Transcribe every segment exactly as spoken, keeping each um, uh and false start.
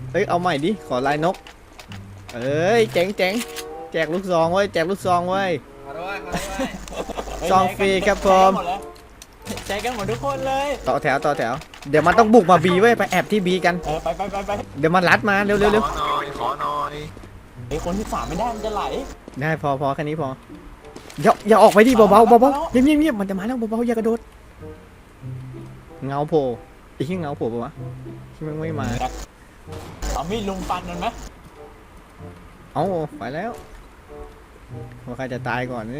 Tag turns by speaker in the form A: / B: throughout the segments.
A: เฮ้ยเอาใหม่ดิขอลายนกเอ้ยเจ๋งเจ๋งแจกลูกซองเว้ยแจกลูกซองเว้ย
B: ขอด้วยขอด้วย
A: ซองฟรีครับผม
C: ใจกันหมดทุกคนเลย
A: ต่อแถวต่อแถวเดี๋ยวมันต้องบุกมาบีเว้ยไปแอบที่บีกัน
C: เออไปไปไปไป
A: เดี๋ยวมันรัดมาเร็วเร็วเร็ว
B: ขอหน่อยขอหน่อย
C: ไอ้คนที่สามไม่ได้มันจะไหล
A: ได้พอพอแค่นี้พออย่าอย่าออกไปดิเบาเบาเบาเบาเงียบเงียบเงียบมันจะมาแล้วเบาเบาอย่ากระโดดเงาโผล่ไอ้ที่เงาโผล่ปะวะที่มันไม่มา
C: เอามีดลุมฟันมันไหม
A: เอ้าไปแล้วว่าใครจะตายก่อน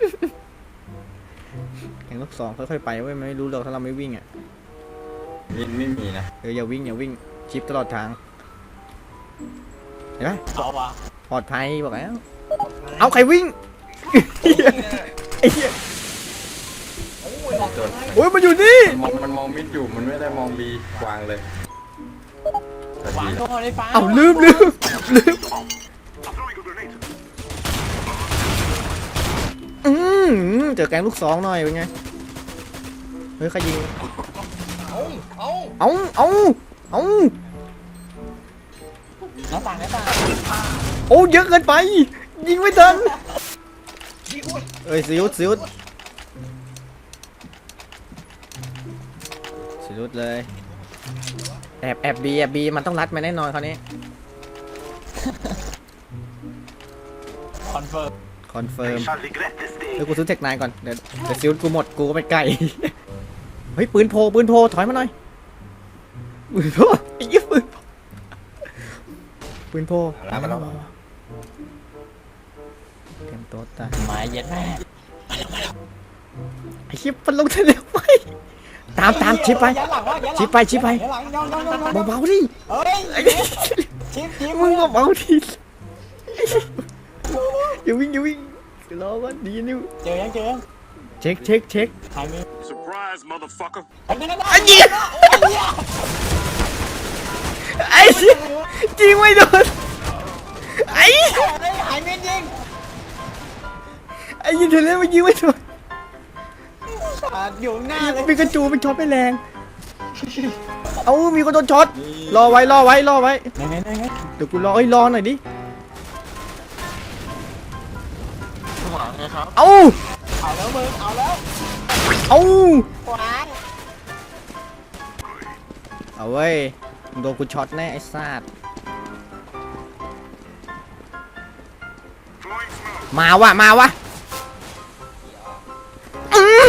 A: แข่งลูกสองค่อยๆไปเว้ยไม่รู้หรอกถ้าเราไม่วิ่งอ่ะ
B: มินไม่มีนะ
A: เอออย่าวิ่งอย่าวิ่งชิปตลอดทางเห็นไหม
C: เอาวะ
A: ปลอดภัยบอกแล้วเอาใครวิ่งไอ้เหี้ยโอ้ยมันอยู่นี่
B: มองมันมองมิดอยู่มันไม่ได้มองบีวางเลย
C: วางตัวในฟ้า
A: เอาลืมลืมลืมอืมเจอแกงลูกสองหน่อยเป็นไงเฮ้ยใครยิงเอาเอาเอาเอา
C: หน้าต่างหน้าต่าง
A: โอ้เยอะเกินไปยิงไม่ทันเอ้ยซิวซิวซิวเลยแอบแอบบีแอบบีมันต้องรัดมาแน่นอนคราวนี้
C: คอนเฟิร์ม
A: คอนเฟิร์มเดี๋ยวกูซื้อเทคนายก่อนเดี๋ยวเดี๋ยวซิวกูหมดกูก็ไปไกล เฮ้ยปืนโพปืนโพถอยมาหน่อยปืนโพไอ้ยี่ปืนปืนโพเตรียมตัวตาย
C: หมายเย็ดแม่
A: ไอ้ชิปมันลงทะเลไปตามตามชิปไปชิปไปชิปไปเบาๆดิ
C: เฮ้ย
A: ไอ้
C: ชิปชิป
A: มึงเบาๆดิอย่าวิ่งอย่าวิ่งรอวันดีนิว
C: เจอยังเจอยัง
A: เช็คเช็คเช็ค
C: หายมี
D: Surprise, motherfucker.
C: ไอ้นั่นนั่น
A: ไอ้ยิงไอ้ชิปยิงไม่โดนไอ้
C: หายมียิง
A: ไอ้ยิงเทเลมันยิงไม่โดน
C: อยู่หน้าเลย
A: มีกระจูมันช็อตไม่แรงเอามีคนโดนช็อตรอไว้รอไว้รอไว้
C: ไหนไหนไหนไหน
A: เดี๋ยวกูรอไอ้ยรอหน่อยดิ
B: หวังไงครับ
A: เอา
C: เอาแล้วมึงเอาแล้ว
A: เอา
C: ขวา
A: เอาเว้ยมึงโดนกูช็อตแน่ไอ้ซาดมาวะมาวะอืม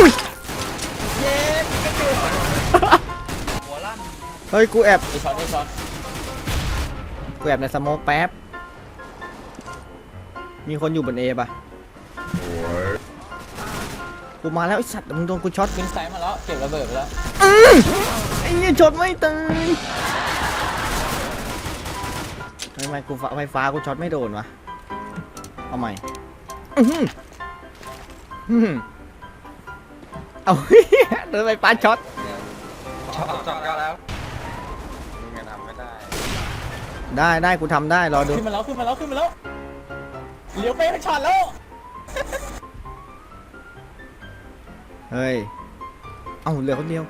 A: เฮ้ยกูแอบ
C: ไอช็อตไอช็อต
A: กูแอบในสโมกแป๊บมีคนอยู่บนเอป่ะกูมาแล้วไอ้สัตว์มึงโดนกูช็อต
C: ขึ้นไซด์มาแล้วเก็บระเบิดไปแล้ว
A: อืมไอ้เนี่ยช็อตไม่ตายทำไมกูไฟฟ้ากูช็อตไม่โดนวะเอาใหม่อื้อหืออื้อหือเอา เดินไฟฟ้าช็อต
B: ชอบจับกันแล้วมึงยังทำไม่ได้
A: ได้ได้กูทำได้รอดู
C: ขึ้นมาแล้วขึ้นมาแล้วขึ้นมาแล้วเลี้ยวไปเป็นช็อตแล้ว
A: เฮ้ยเอ้าเหลือคนเดียว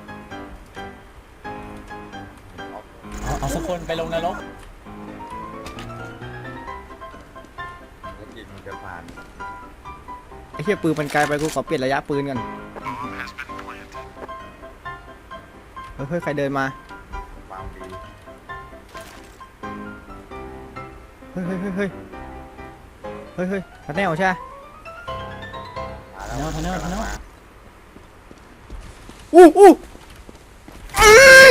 C: เอาเอาสักคนไปลงนรก
B: แล้วกินมันจะผ่าน
A: ไอ้เหี้ยปืนมันไกลไปกูขอเปลี่ยนระยะปืนกันเฮ้ยเฮ้ยใครเดินมาว
B: างบี
A: เฮ้ยเฮ้ยเฮ้ยเฮ้ยเฮ้ยเฮ้ยพัดแนวใช่ไหม
C: ทันเนอร์ทันเนอร์ทันเนอร์
A: อู้อู้อื้อ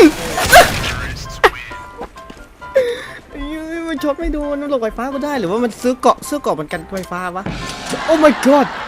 A: ไอ้เหี้ยมันช็อตไม่โดนมันหลบไฟฟ้าก็ได้หรือว่ามันซื้อเกาะซื้อเกาะมันกันไฟฟ้าวะโอ้ my god